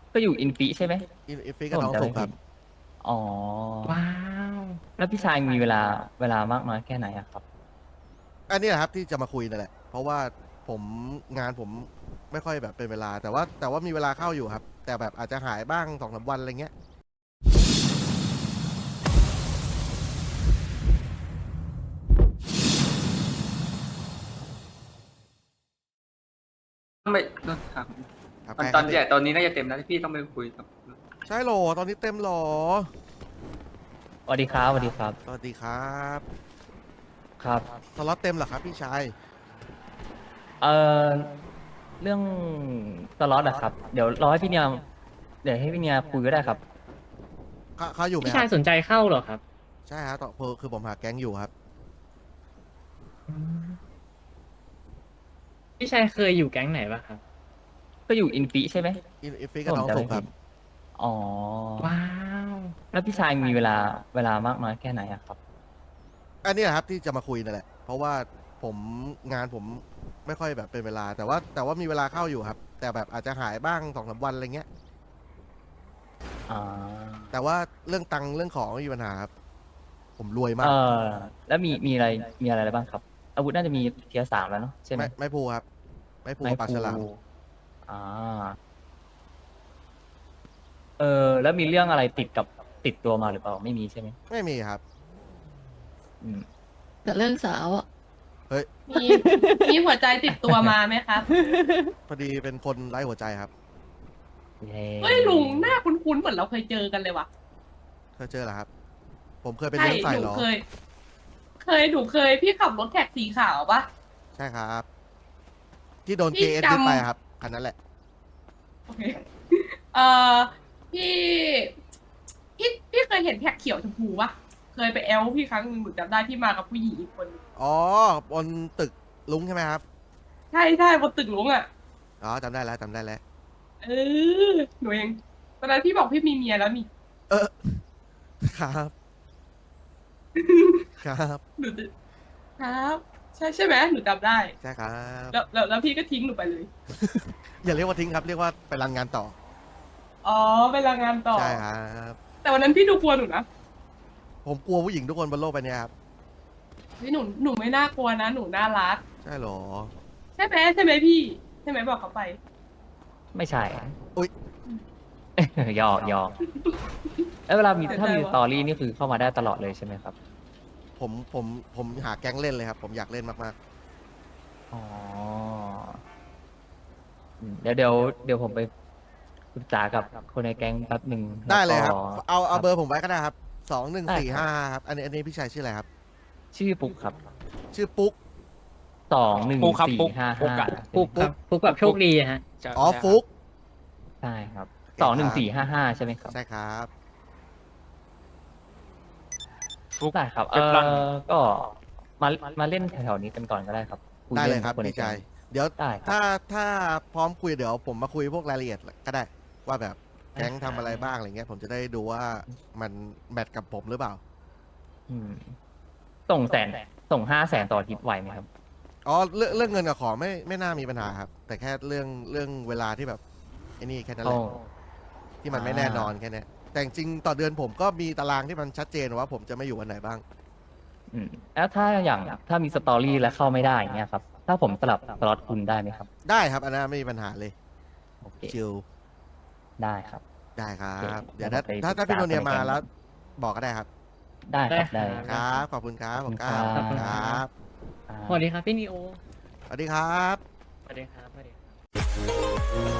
ก็อยู่อินฟิใช่ไหมอินฟิกับน้องสุกครับอ๋อว้าวแล้วพี่ชายมีเวลามากน้อยแค่ไหนอะครับอันนี้แหละครับที่จะมาคุยนั่นแหละเพราะว่าผมงานผมไม่ค่อยแบบเป็นเวลาแต่ว่ามีเวลาเข้าอยู่ครับแต่แบบอาจจะหายบ้าง2-3 วันอะไรเงี้ยต้องไปต้องถามครับตอนใครครับตอนใหญ่ตอนนี้น่าจะเต็มแล้วที่พี่ต้องไปคุยกับใช่โหรอตอนนี้เต็มโหรอสวัสดีครับสวัสดีครับสวัสดีครับครับสล็อตเต็มเหรอครับพี่ชายเอ่อเรื่องสล็อตอะครับเดี๋ยวรอให้พี่เนียให้พี่เนียคุยก็ได้ครับเขาอยู่ไหมพี่ชายครับสนใจเข้าเหรอครับใช่ครับต่อคือผมหาแก๊งอยู่ครับอืมพี่ชายเคยอยู่แก๊งไหนปะครับก็อยู่อินฟิใช่ไหมอินฟิกับถ้าผมน้องสุกครับจำไม่ผิดอ๋อว้าวแล้วพี่ชายมีเวลามากน้อยแค่ไหนอะครับอันนี้แหละครับที่จะมาคุยนั่นแหละเพราะว่าผมงานผมไม่ค่อยแบบเป็นเวลาแต่ว่ามีเวลาเข้าอยู่ครับแต่แบบอาจจะหายบ้าง2-3 วันอะไรเงี้ยอ่าแต่ว่าเรื่องตังค์เรื่องของไม่มีปัญหาครับผมรวยเอมากอแล้วมีอะไรบ้างครับอาวุธน่าจะมีเทียร์3แล้วเนาะใช่ไหมไม่พูครับไม่พูไม้พลูกับปลาฉลามอ่าแล้วมีเรื่องอะไรติดตัวมาหรือเปล่าไม่มีใช่ไหมไม่มีครับอืมแต่เรื่องสาวอ่ะเฮ้ยมีมีหัวใจติดตัวมาไหมครับพอดีเป็นคนไร้หัวใจครับเย้เฮ้ยลุงหน้าคุ้นๆเหมือนเราเคยเจอกันเลยว่ะเคยเจอเหรอครับผมเคยไปใช่เลี้ยงใส่หนูเหรอหนูเคยพี่ขับรถแท็กสีขาวปะใช่ครับที่โดนพี่ KS จยึดไปครับคันนั้นแหละำโอเคเอ่อพี่พี่เคยเห็นแท็กเขียวชมพูปะเคยไปแอลพี่ครั้งหนึงหนูจำได้ที่มากับผู้หญิงอีกคนนึงอ๋อบนตึกลุงใช่ไหมครับใช่ใช่บนตึกหลวงอ่ะอ๋อจำได้แล้วเออหนูเองตอนนั้นพี่บอกพี่มีเมียแล้วนี่เออครับครับหนูจะครับใช่ไหมหนูจำได้ใช่ครับแล้วพี่ก็ทิ้งหนูไปเลยอย่าเรียกว่าทิ้งครับเรียกว่าไปรันงานต่ออ๋อไปรายงานต่อใช่ครับแต่วันนั้นพี่ดูกลัวหนูนะผมกลัวผู้หญิงทุกคนบนโลกใบนี้ครับเฮ้ยหนูไม่น่ากลัวนะหนูน่ารักใช่เหรอใช่ไหมพี่ใช่ไหมบอกเขาไปไม่ใช่อุ๊ยหยอกแล้วเวลามีเสียใจถ้ามีวะสตอรี่นี่คือเข้ามาได้ตลอดเลยใช่ไหมครับผมหาแก๊งเล่นเลยครับ ผมอยากเล่นมากอ๋อเดี๋ยวผมไปปรึกษากับคนในแก๊งแป๊บหนึ่งๆได้เลยครับ เอาเบอร์ผมผมไว้ก็ได้ครับได้ครับ 2145ครับอันนี้พี่ชายชื่ออะไรครับชื่อปุ๊กครับชื่อปุ๊กปุ๊กครับปุ๊ก 2145 ฟุกครับฟุกแบบโชคดีอะฮะอ๋อฟุกใช่ครับโอเคครับ 21455ใช่ไหมครับใช่ครับฟุกได้ครับก็มามาเล่นแถวๆนี้กันก่อนก็ได้ครับคุได้เลยนครับนในพี่แก๊ชาง ยเดี๋ยวได้ครับถ้าพร้อมคุยเดี๋ยวผมมาคุยพวกรายละเอียดก็ได้ ว่าแบบแก๊งทำอะไรบ้างอะไรเงี้ยผมจะได้ดูว่ามันแมทกับผมหรือเปล่าอืมส่งส่ง500,000ต่ออาทิตย์ไหวไหมครับอ๋อเรื่องเงินกับของไม่น่ามีปัญหาครับ แต่แค่เรื่องเวลาที่แบบไอ้นี่แค่นั้นแหละที่มันไม่แน่นอนแค่เนี้ยแต่จริงๆต่อเดือนผมก็มีตารางที่มันชัดเจนว่าผมจะไม่อยู่วันไหนบ้างแล้วถ้ามีสตอรี่แล้วเข้าไม่ได้อย่างเงี้ยครับ ถ้าผมสลับสล็อตคุณได้ไหมครับได้ครับอันนั้นไม่มีปัญหาเลยโอเคชิลได้ครับได้ครัโอเคบ เดี๋ยวเดี๋ยวถ้าผมไปพี่โนเนียปรึกษาคนในแก๊งมาแล้วบอกก็ได้ครับได้ครับได้ได้ครับครับขอบคุณครับขอบคุณผมก้าวครับครับอ่าสวัสดีครับพี่นีโอสวัสดีครับสวัสดีครับสวัสดีครับ